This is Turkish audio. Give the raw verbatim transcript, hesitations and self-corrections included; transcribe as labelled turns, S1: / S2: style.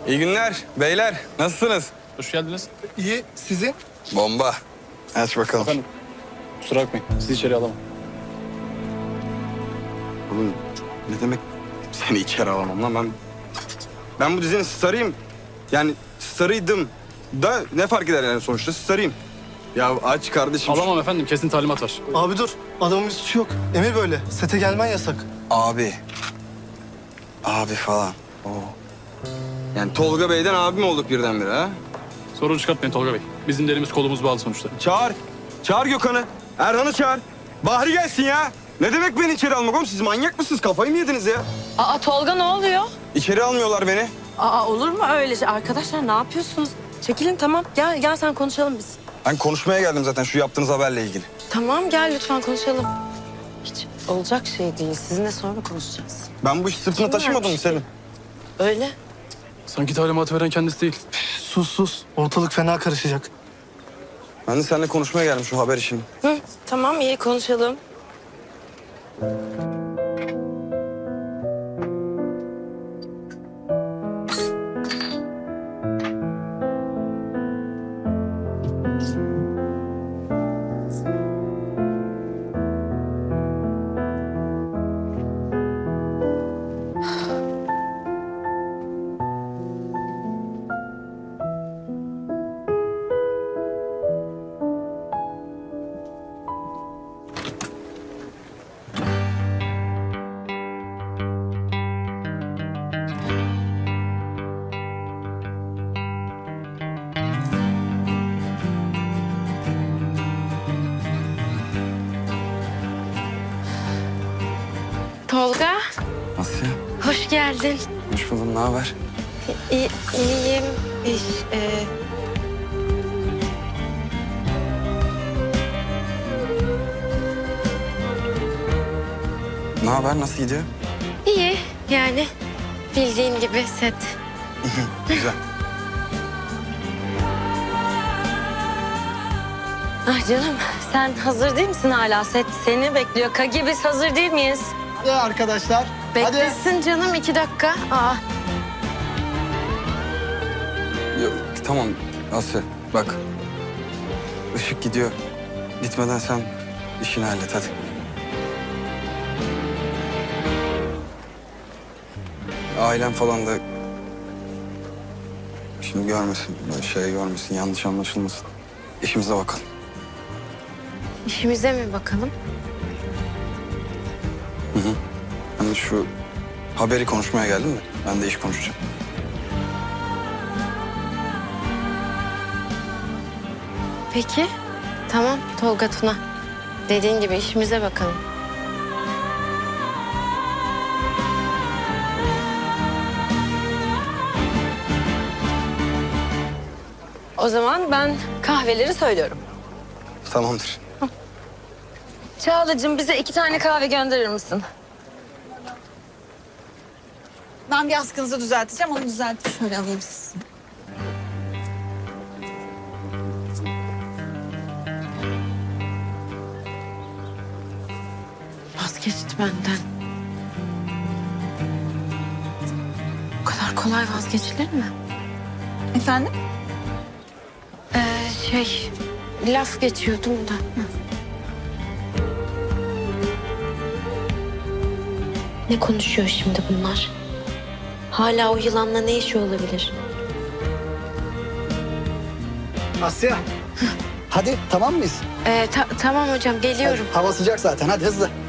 S1: İyi günler beyler. Nasılsınız?
S2: Hoş geldiniz.
S3: İyi, sizin?
S1: Bomba. Aç bakalım.
S2: Efendim, kusura bakmayın. Sizi içeri alamam.
S1: Oğlum ne demek seni içeri alamam lan ben... Ben bu dizinin starıyım. Yani starıydım da ne fark eder yani sonuçta starıyım. Ya aç kardeşim.
S2: Alamam efendim, kesin talimat var.
S3: Abi dur, adamın bir suçu yok. Emir böyle, sete gelmen yasak.
S1: Abi. Abi falan. Oo. Yani Tolga Bey'den abi mi olduk birdenbire ha?
S2: Sorun çıkartmayın Tolga Bey. Bizim de elimiz kolumuz bağlı sonuçta.
S1: Çağır. Çağır Gökhan'ı. Erhan'ı çağır. Bahri gelsin ya. Ne demek beni içeri almak oğlum? Siz manyak mısınız? Kafayı mı yediniz ya?
S4: Aa Tolga ne oluyor?
S1: İçeri almıyorlar beni.
S4: Aa olur mu öyle şey? Arkadaşlar ne yapıyorsunuz? Çekilin tamam. Gel gel sen konuşalım biz.
S1: Ben konuşmaya geldim zaten şu yaptığınız haberle ilgili.
S4: Tamam gel lütfen konuşalım. Hiç olacak şey değil. Sizinle sonra konuşacağız.
S1: Ben bu işi sırtına
S4: Kim
S1: taşımadım mı
S4: vermiş?
S1: Selim?
S4: Öyle.
S2: Sanki talimatı veren kendisi değil.
S3: Sus sus, ortalık fena karışacak.
S1: Ben de seninle konuşmaya geldim şu haber işini.
S4: Hı, tamam iyi konuşalım. Tolga,
S1: Asya,
S4: hoş geldin.
S1: hoş buldum. Ne haber?
S4: İyi, iyiyim. İş, e...
S1: Ne haber? Nasıl gidiyor?
S4: İyi yani. Bildiğin gibi set.
S1: Güzel.
S4: Ah canım sen hazır değil misin hala? Set seni bekliyor. Kagi biz hazır değil miyiz?
S3: Ya arkadaşlar,
S4: Beklesin canım iki dakika. Aa.
S1: Yok, tamam Asya bak. Işık gidiyor. Gitmeden sen işini hallet hadi. Ailem falan da şimdi görmesin, böyle şey görmesin, yanlış anlaşılmasın. İşimize bakalım.
S4: İşimize mi bakalım?
S1: Hı hı. Ben de şu haberi konuşmaya geldim de ben de iş konuşacağım.
S4: Peki. Tamam Tolga Tuna. Dediğin gibi işimize bakalım. O zaman ben kahveleri söylüyorum.
S1: Tamamdır.
S4: Çağla'cığım bize iki tane kahve gönderir misin?
S5: Ben bir askınızı düzelteceğim. Onu düzeltip şöyle alayım sizi.
S4: Vazgeçti benden. Bu kadar kolay vazgeçilir mi?
S5: Efendim?
S4: Ee, şey, laf geçiyordum da. Hı. Ne konuşuyor şimdi bunlar? Hala o yılanla ne işi olabilir?
S6: Asya. Hadi tamam mıyız?
S4: Ee, ta- tamam hocam geliyorum.
S6: Hava sıcak zaten hadi hızlı.